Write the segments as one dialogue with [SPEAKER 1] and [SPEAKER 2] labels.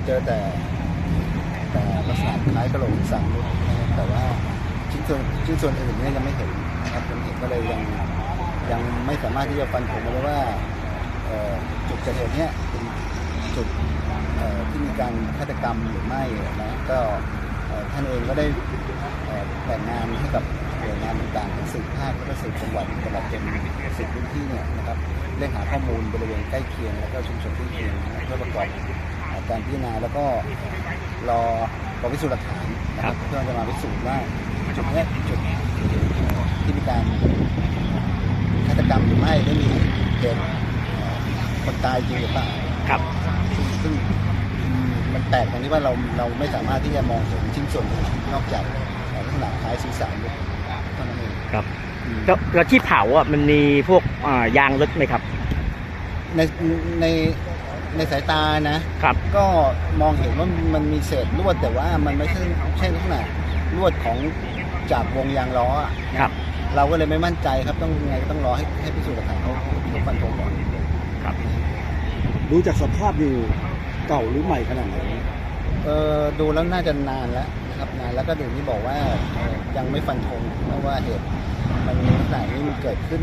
[SPEAKER 1] เจอแต่ลักษณะคล้ายกระโหลกศีรษะมนุษย์แต่ว่าชิ้นส่วนอื่นเนี่ยยังไม่เห็นนะครับยังเห็นก็เลยยังไม่สามารถที่จะฟันธงได้ว่าจุดเกิดเหตุเนี่ยเป็นจุดที่มีการฆาตกรรมหรือไม่นะก็ท่านเองก็ได้แบ่งงานให้กับหน่วยงานต่างๆทั้งสืบภาคและก็สืบจังหวัดตลอดจนสืบพื้นที่เนี่ยนะครับเร่งหาข้อมูลบริเวณใกล้เคียงแล้วก็ชุมชนใกล้เคียงเพื่อประกอบการพิจารณาแล้วก็รอกองพิสูจน์หลักฐานนะครับเพื่อจะมาพิสูจน์ว่าจุดนี้จุดที่มีการฆาตกรรมหรือไม่ได้มีเหตุคนตายจริงหรือเปล่า
[SPEAKER 2] ครับ
[SPEAKER 1] ซึ่งมันแปลกตรงที่ว่าเราไม่สามารถที่จะมองเห็นชิ้นส่วนนอกจากลักษณะคล้ายศีรษะเท่านั้นเอง
[SPEAKER 2] ครับแล้วที่เผาอ่ะมันมีพวกยางรถไหมครับ
[SPEAKER 1] ในสายตานะครับก็มองเห็นว่ามันมีเศษลวดแต่ว่ามันไม่ใช่ลักษณะลวดของจากวงยางล้อ
[SPEAKER 2] ครับ
[SPEAKER 1] เราก็เลยไม่มั่นใจครับต้องไงก็ต้องรอให้พิสูจน์หลักฐานเขาฟันธงก่อน
[SPEAKER 2] ครับ
[SPEAKER 3] ดูจากสภาพอยู่เก่าหรือใหม่ขนาดไหน
[SPEAKER 1] ดูแล้วน่าจะนานแล้วนะครับนานแล้วก็อย่างที่บอกว่ายังไม่ฟันธงเพราะว่าเหตุมันลักษณะนี้มันเกิดขึ้น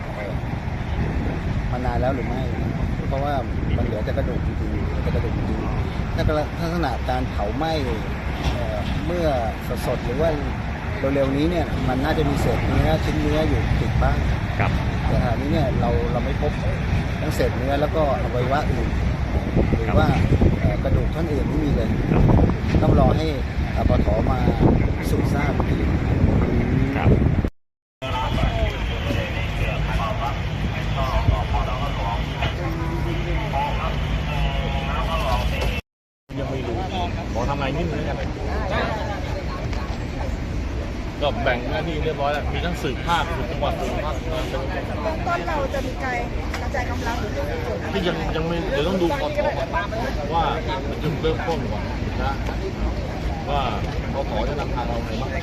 [SPEAKER 1] มานานแล้วหรือไม่เพราะว่ามันเหลือแต่กระดูกจริงๆถ้าลักษณะการเผาไหม้เมื่อสดๆหรือว่าเร็วๆนี้เนี่ยมันน่าจะมีเศษเนื้อชิ้นเนื้ออยู่ติดบ้าง
[SPEAKER 2] ครับ
[SPEAKER 1] แต่ขณะนี้เนี่ยเราไม่พบทั้งเศษเนื้อแล้วก็อวัยวะอื่นหรือว่ากระดูกท่อนอื่นไม่มีเลยต้องรอให้ปท.มาพิสูจน์ทราบอีกที
[SPEAKER 2] ครับ
[SPEAKER 4] ยังไม่รู้ขอทำอะไรนิดนึงกันก็แบ่งหน้าที่เรียบร้อยแล้วมีทั้งสืบภาคสืบจังหวัดสืบภาคต้น
[SPEAKER 5] เราจะมีการกระจายกำลังหรือ
[SPEAKER 4] ที่ยังไม่เดี๋ยวต้องดูปท.ว่าจุดเริ่มต้นก่อนนะว่าปท.จะนำทางเราไงบ้าง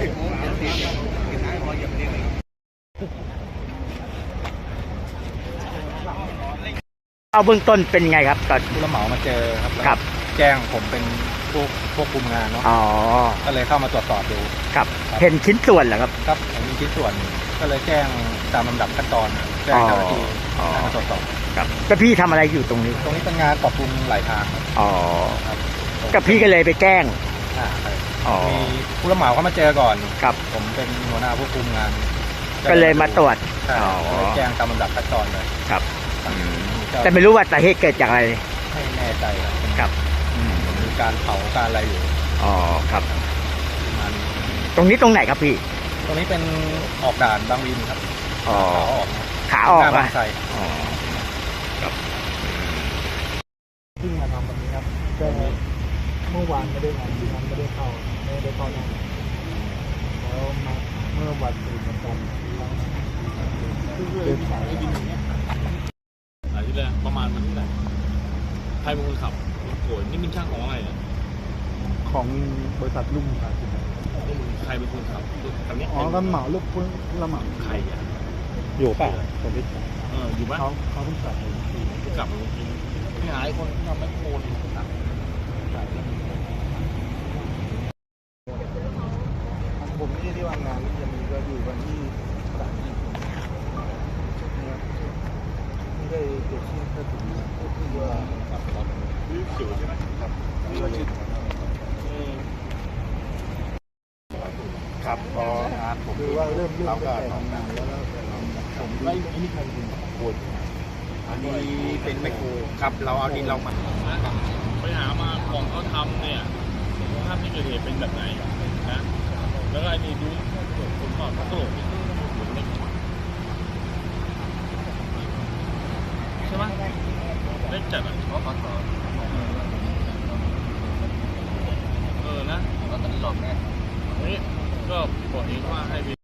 [SPEAKER 2] เอาเบื้องต้นเป็นไงครับตอน
[SPEAKER 3] ผู้รับเหมามาเจอ
[SPEAKER 2] ครับ
[SPEAKER 3] แจ้งผมเป็นพวกคุมงานเนาะก็เลยเข้ามาตรวจสอบดู
[SPEAKER 2] ครับเห็นชิ้นส่วนเหรอครับ
[SPEAKER 3] ครับเห็นมีชิ้นส่วนก็เลยแจ้งตามลำดับขั้นตอนแจ้งเจ้าหน้าที่มาตรวจสอบ
[SPEAKER 2] ครับก็พี่ทำอะไรอยู่ตรงนี้
[SPEAKER 3] เป็นงานปรับปรุงหลายทาง
[SPEAKER 2] ครับก็พี่ก็เลยไปแจ้ง
[SPEAKER 3] มีผู้รับเหมาเขามาเจอก่อน
[SPEAKER 2] ครับ
[SPEAKER 3] ผมเป็นหัวหน้าผู้คุมงาน
[SPEAKER 2] ก็เลยมาตรวจ
[SPEAKER 3] แจ้งตามลำดับขั้นตอนเลย
[SPEAKER 2] ครับแต่ไม่รู้ว่าสาเหตุเกิดจากอะไร
[SPEAKER 3] ไม่แน่ใจ
[SPEAKER 2] ครับ
[SPEAKER 3] มีการเผาการอะไรอยู่
[SPEAKER 2] ครับตรงนี้ตรงไหนครับพี่
[SPEAKER 3] ตรงนี้เป็นออกด่านบางวินครับ
[SPEAKER 2] ขาออก
[SPEAKER 3] บางไทร
[SPEAKER 1] ครับที่มาทำแบบนี้ครับก็เมื่อวานไม่ได้งานไม่ได้เข้านั่นแล้วมาเมื่อวันอื่นเหมือนกันเดินสายให้ดินอย่างเงี้ย
[SPEAKER 4] ที่แรกประมาณวันที่ไหนใครเป็นคนขับโวยนี่เป็นช่างของอะไรเนี่ย
[SPEAKER 1] ของบริษัทลุ่มครับ
[SPEAKER 4] ใครเป็นคนขับคันนี้
[SPEAKER 1] รับเหมาลูกรับเหมา
[SPEAKER 4] ใครอ่ะ
[SPEAKER 3] อยู่ป่ะคนที่
[SPEAKER 4] อยู่บ้าน
[SPEAKER 1] เขาเพิ่งกลับ
[SPEAKER 4] ที่หายคนทำแมคโคร
[SPEAKER 1] ผมไม่ได้ที่วางงานจะมีก็อยู่วันที่ไม่ได้เกิดขึ้นก็ถึงก็คือว่า
[SPEAKER 4] ขับรถอยู่ใช่ไหมครับ
[SPEAKER 3] ครับพองานผม
[SPEAKER 1] คือว่าเริ่มก็ทำงานแล้วผม
[SPEAKER 4] ไม่มีใครเป็นคน
[SPEAKER 3] อันนี้เป็นไมโครครับเราเอาดินเรามา
[SPEAKER 4] ไปหามาของเขาทำเนี่ยภาพที่เกิดเหตุเป็นแบบไหนนะแล้วไอ้นี่ดูคนก่อนเขาโกรธ